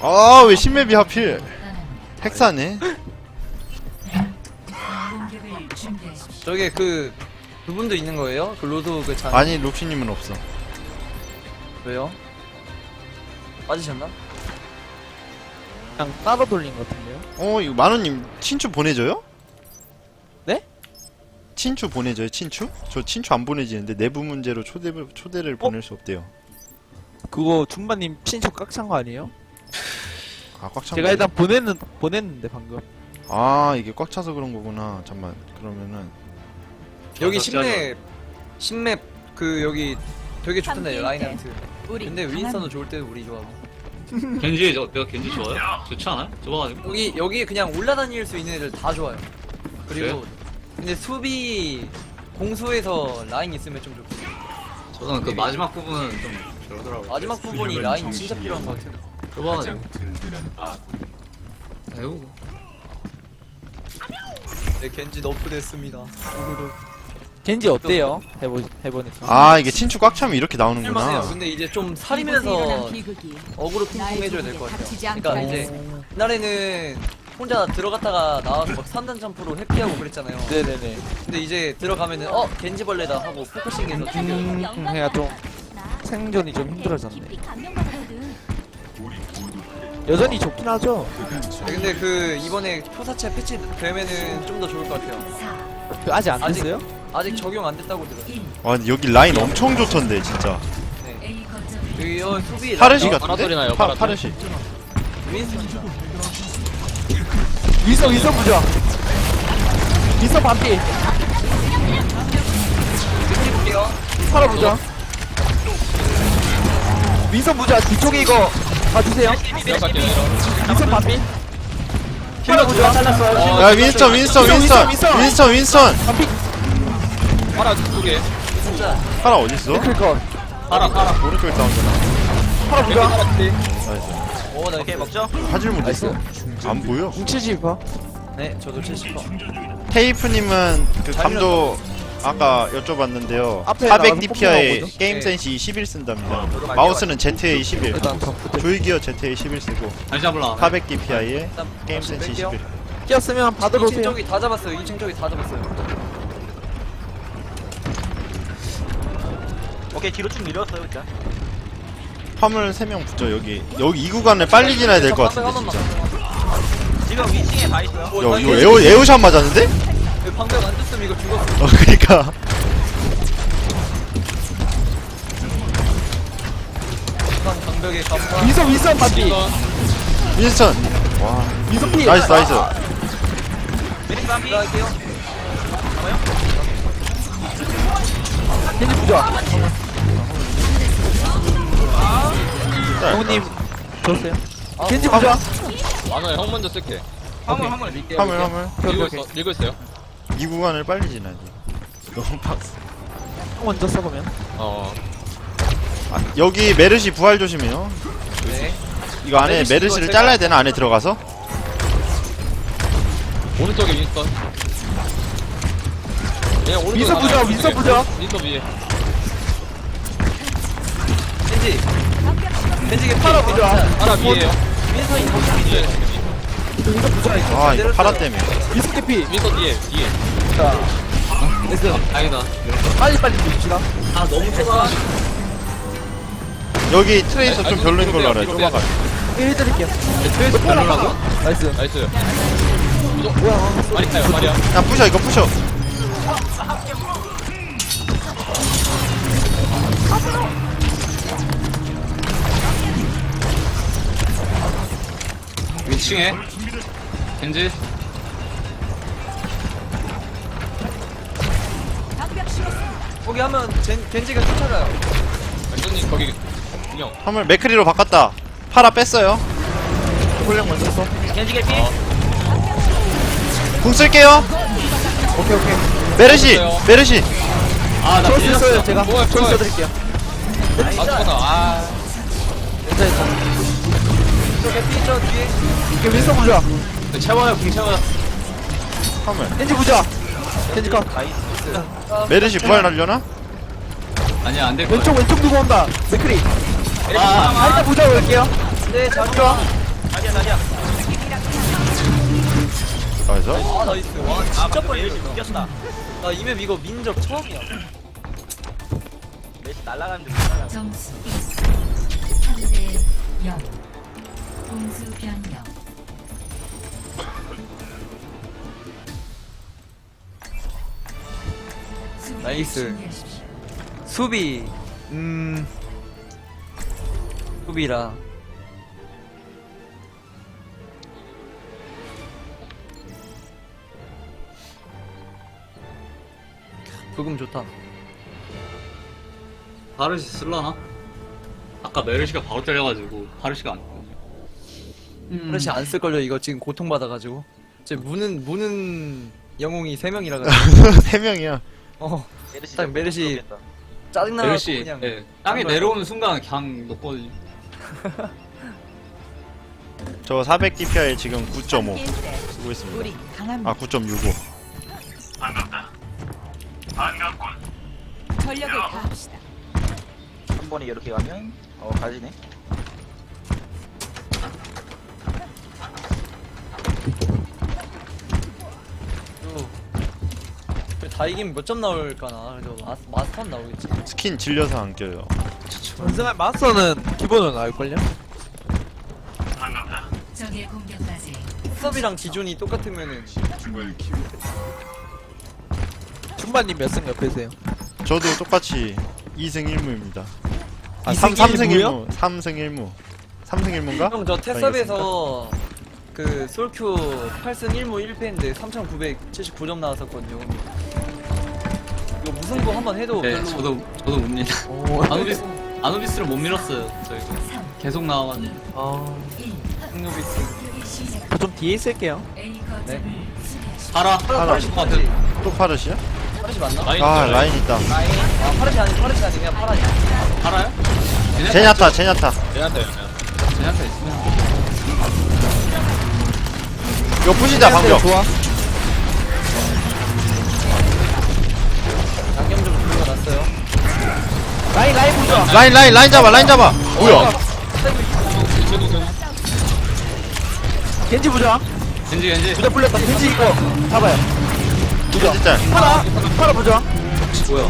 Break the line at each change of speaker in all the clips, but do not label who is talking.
아, 왜 신맵이 하필 핵사네.
저게 그분도 있는 거예요? 그 로드 그 잔.
아니, 록시님은 없어.
왜요? 빠지셨나?
그냥 따로 돌린 것 같은데요?
이거 만호님 친추 보내줘요?
네?
친추 보내줘요, 친추? 저 친추 안 보내지는데 내부 문제로 초대를 보낼 수 없대요.
그거 줌바님 친척 깍찬 거 아니에요?
아, 꽉 찬
제가
거야?
일단 보냈는데 방금.
아, 이게 꽉 차서 그런 거구나. 잠만. 그러면은
여기 신맵 그 여기 되게 좋던데 라인한트. 근데 윈스턴도 좋을 때도 우리 좋아하고.
내가 겐지 좋아요? 좋지 않아요? 좋아가지고.
여기 그냥 올라다닐 수 있는 애들 다 좋아요. 그리고 근데 수비 공수에서 라인 있으면 좀 좋고.
저는 그 마지막 부분은 좀 별로더라고요.
마지막 부분이 라인 진짜 필요한 것 같아요.
좁아가지고. 아이고.
네, 겐지 너프 됐습니다.
겐지 어때요? 해보니까.
아, 이게 친추 꽉 차면 이렇게
할만해요.
나오는구나.
근데 이제 좀 살이면서 어그로 쿵쿵 해줘야 될 것 같아요. 그러니까 이제 옛날에는 혼자 들어갔다가 나와서 막 3단 점프로 회피하고 그랬잖아요.
네네네.
근데 이제 들어가면은 겐지벌레다 하고 포커싱해서 죽여.
해야 좀 생존이 좀 힘들어졌네. 여전히 좋긴 하죠.
근데 이번에 표사체 패치 되면은 좀 더 좋을 것 같아요.
아직 안 됐어요?
아직 적용 안 됐다고 들었어요.
와, 근데 여기 라인 엄청 좋던데, 진짜.
네. 여기 수비
파르시
라인-
같은데?
파라돌이나요,
파르시.
윈스턴.
윈서 부자. 윈서 반피.
볼게요.
팔아 부자. 윈서 부자. 뒤쪽에 이거 봐주세요. 윈서 반피. 팔아 부자.
야, 윈스턴!
반피.
파라 두 개.
진짜.
파라 어딨어?
클컷.
파라.
오른쪽에 다운잖아.
팔아 부자.
나이스.
오, 나 이렇게 먹죠?
화질 못 있어. 안 보여.
뭉치지 봐.
네, 저도 70%.
테이프님은 그 감도 아까 여쭤봤는데요.
앞에
400
나가서
DPI에
뽑는
게임
네.
센시 11 쓴답니다.
저도
마우스는 ZA 11.
일단 저
조이기어 ZA 11 쓰고
다시 잡을라.
400 DPI에
일단
게임 센시
뺄게요.
11.
끼었으면 받으러
2층
오세요.
쪽이 다 잡았어요. 2층 쪽이 다 잡았어요.
오케이 뒤로 쭉 밀었어요 일단.
화물 3명 붙죠. 여기 이 구간을 빨리 지나야 될 것 같은데 진짜.
지금 위층에 다 있어요.
야, 이거 에어샷 맞았는데?
방벽 안 줬으면 이거 죽었어.
그니까.
방벽에 감사.
윈서 반피.
윈스턴. 와,
윈서 피.
나이스.
메리 밤이
들어갈게요.
겐지 부자. 형님 좋으세요? 겐지 부자.
만화에 형 먼저 쓸게.
화물 밀게요.
화물.
밀고 있어요.
이 구간을 빨리 지나야 돼. 너무 빡세.
형 먼저 써보면.
여기 메르시 부활 조심해요.
네.
이거 안에
메르시
메르시를
이거
잘라야 되나? 안에 들어가서?
오른쪽에 윈스턴. 그냥 오른쪽
윈서 부자. 윈서 부자.
윈스턴 위에.
겐지. 겐지게
팔아 부자.
파라 위에요.
윈선이 더
윈서 부자.
아, 이거 파라 때문에.
윈서 캐피.
윈스턴 뒤에.
자. 됐어.
다행이다.
빨리 줍시다.
아 너무 좁아.
여기 트레이서 좀 별로인 걸로 알아요. 좁아가.
해드릴게요.
트레이스 별로라고?
나이스.
나이스.
뭐야?
말이 타요 말이야.
야, 부셔, 이거 부셔.
위층에 겐지.
거기 하면 겐지가 쫓아가요.
완전히 거기 그냥
화물 맥크리로 바꿨다. 파라 뺐어요.
훈련 먼저 써.
겐지 개피.
궁 쓸게요.
오케이.
메르시.
아나
저 있어요. 제가
뭐야
저
뭐야.
써드릴게요.
아 죽었다. 아
괜찮아.
저 개피 저 뒤에.
이게 윈서 부자.
채워요 궁 채워요.
화물.
겐지 부자. 겐지 컷.
메르시 부활 날려나?
아니야 안될 거야.
왼쪽 누구 온다. 맥크리.
아
일단 부자 올게요.
네, 잘
부자.
자리야 자리야.
나이스.
아 나이스. 와 진짜 빨리
메르시
밀었다.
이겼다.
나 이맵 이거 민 적 처음이야.
메르시 날아가는 중. 날아가는 중.
점수 3대 0 공수 변경 수비를
나이스.
준비하십시오.
수비. 수비라. 부금 좋다.
파르시 쓸라나? 아까 메르시가 바로 때려가지고 파르시가 안
그렇지 안 쓸걸요 이거 지금 고통받아가지고. 제 무는 영웅이 3명이라 가지고.
세 명이야.
메르시
딱 메르시
모르겠다.
짜증나고
메르시
그냥.
예, 땅에
안
내려오는 순간 그냥 녹거든요.
저 400 DPI 지금 9.5 쓰고 있습니다. 아 9.65.
전력을 다합시다.
한 번에 이렇게 가면 가지네.
다 이기면 몇 점 나올까나. 그래도 마스터 나오겠지.
스킨 질려서 안 껴요.
전생할 마스터는 기본으로 나올걸요?
적의 공격까지
수업이랑 기준이 똑같으면은
중반님 몇 승 옆에세요?
저도 똑같이 2승 1무입니다. 아
2승
3승
1무?
1무. 3승 1무. 3승 1무인가?
형 저 테스업에서 그 솔큐 8승 1무 1패인데 3,979점 나왔었거든요. 이거 무승부 한번 해도
네,
별로.
저도 못 밀.
오,
아누비스를 못 밀었어요. 저희가 계속 나와가지고.
승노비스.
저좀 뒤에 있을게요.
A 거점을 수비하십시오.
파라
파르시
것
맞지?
또 파르시야?
파르시 맞나?
라인
아
있죠,
라인 있다.
라인. 아 파르시 아니 그냥 파라냐.
파라요?
제냐타 제냐타.
제냐타 있으면
이거 부시자 방금.
좋아.
양념 좀 불러놨어요.
라인 보자.
라인 잡아 라인 잡아. 뭐야?
겐지 보자.
겐지
부자 풀렸다. 겐지 이거 잡아요.
진짜.
팔아 보자.
뭐야?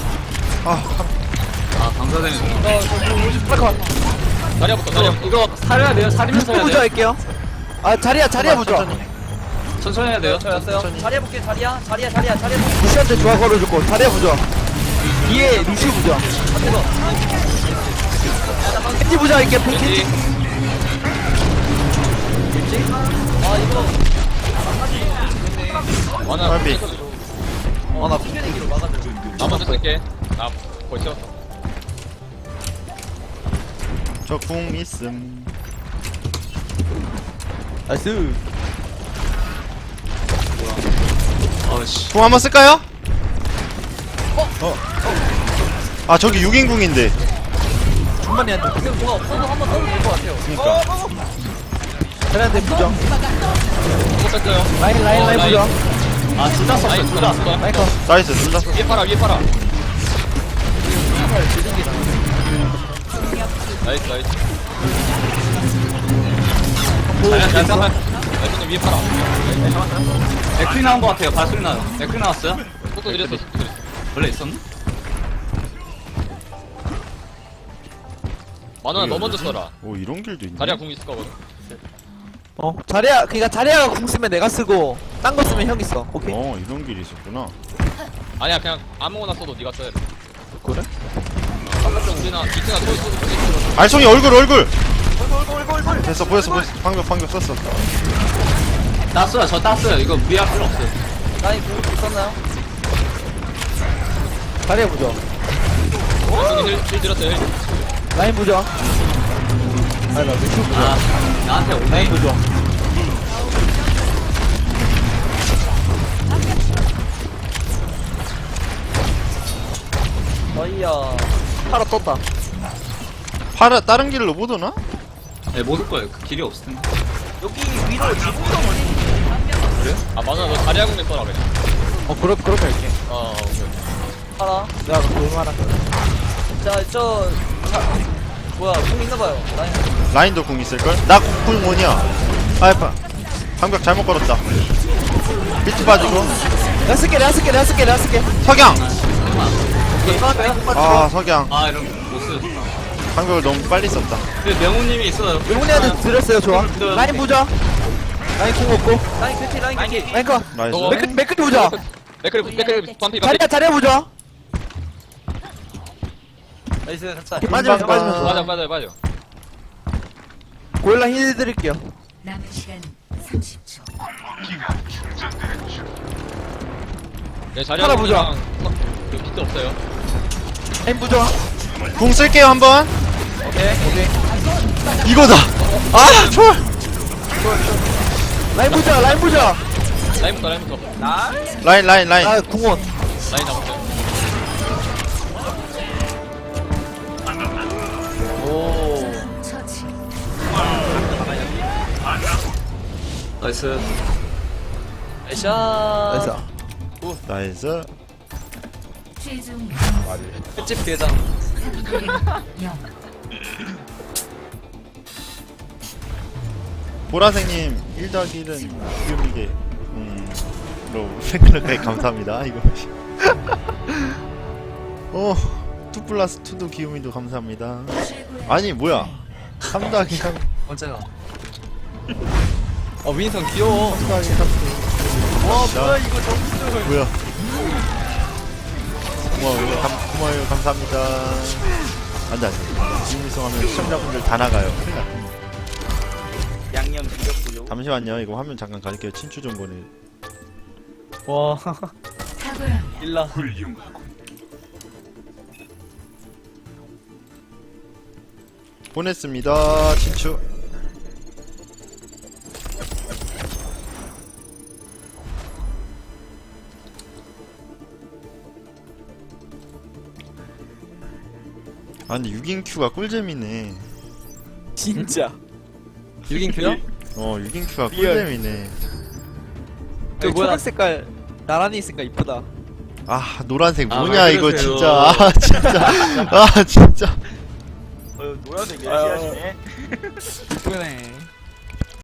아
방사되는
팔아.
다리야부터 이거 살려야 돼요. 살리면서 해야
보자
돼요.
할게요. 아 자리야 보자.
천천히 해야 돼요.
저였어요. 자리해 볼게 자리야.
루시한테 좋아 걸어줬고 자리야 보자. 뒤에 루시 보자. 겐지 보자 할게. 겐지.
겐지?
아 이거
원아
빨리.
나 튕겨내기로 막아줘.
나 먼저 쓸게. 나 벌써.
저 궁 있음.
나이스.
아씨.
궁 한번 쓸까요? 아 저기 6인 궁인데.
중반이한테
지금 뭐가 없어도 한번 써도 될 것 같아요.
그니까.
자리한테 보자.
이거 뺐어요.
라인 보자.
아 둘다 썼어요. 둘다.
라인 컷.
나이스 둘 다.
위에 팔아. 나이스. 괜찮아. 나이스 위에 팔아. 에크리 나온 것 같아요. 발소리 나요. 에크리 나왔어요? 속도 느렸어. 원래 있었나?
만원아 너 먼저 써라.
오 이런 길도 있네.
다리야 궁 있을 거거든.
자리야 그니까 자리야가 궁 쓰면 내가 쓰고 딴 거 쓰면 형이 써. 오케이.
이런 길이 있었구나.
아니야 그냥 아무거나 써도 네가 써야 돼.
그래?
아까 우리나 이트나 또 있어.
알송이 얼굴. 됐어 보였어. 방금 썼어.
땄어요. 저 땄어요. 이거 무리할 필요 없어요.
라인 공격 있었나요?
자리야 보자.
형이 힐 들었어요. 힐.
라인 보자. 아니 나 루시 보자.
아 나한테 오네.
라인 보자.
어이야.
팔아 떴다.
파라 다른 길로 못 오나?
네, 못 올 거예요. 그 길이 없을 텐데.
여기 위로 지붕덩어리.
아 만원아 너 다리야 궁에 써라 그냥.
그렇게 할게.
오케이.
팔아.
내가 그거 얼마나.
자, 뭐야 공 있나봐요. 라인.
라인도 궁 있을걸? 나 궁 원이야. 아이파. 방벽 잘못 걸었다. 비트 빠지고.
내가 쓸게 내가 쓸게 내가 쓸게 내가 쓸게.
석양.
네.
아 석양.
아 이런 못 쓰였다.
방벽을 너무 빨리 썼다.
근데 명훈님이 있어요.
용훈이한테 드렸어요 좋아. 라인 보자. 라인 공 없고.
라인 캐티 라인 캐티.
라인 거.
나이스.
어.
맥클 보자.
맥크리 반피
자리야 자리야 보자.
나이스 삭살.
빠지면
금방
빠지면
맞아 맞아.
고릴라 힐 드릴게요.
남은 시간 30초.
네 자리
하나 보자.
그 비트 없어요.
라인 보자.
궁 쓸게요 한번.
오케이.
이거다. 아 좋아.
라인 보자 라인 보자.
라인부터.
라인.
아 궁원.
라인 잡았어요.
오.
처치.
나이스.
에샤.
나이스.
나이스.
최종
횟집 계장.
3대 0.
보라색님 1-1은 기움이게 로 생각하기 감사합니다. 이거. 2+2도 기움이도 감사합니다. 아니 뭐야 3-1
언제가? 윈선 귀여워.
3-1
와 뭐야 이거 점수.
뭐야 고마워요 감사합니다. 안돼 지금성하면 시청자분들 다 나가요. 큰일 나.
양념 드렸고요.
잠시만요 이거 화면 잠깐 가릴게요. 친추 좀 보내.
와.
탁월합니다.
일라.
보냈습니다. 친추. 아 근데 6인 큐가 꿀잼이네.
진짜.
6인 큐요?
6인 큐가
리얼.
꿀잼이네.
그
뭐야?
뭐야?
초록 색깔 나란히 있으니까 이쁘다.
아 노란색
아,
뭐냐
왜
이거
그러세요?
진짜. 아 진짜. 아 진짜.
노란색 예시하시네.
이쁘네.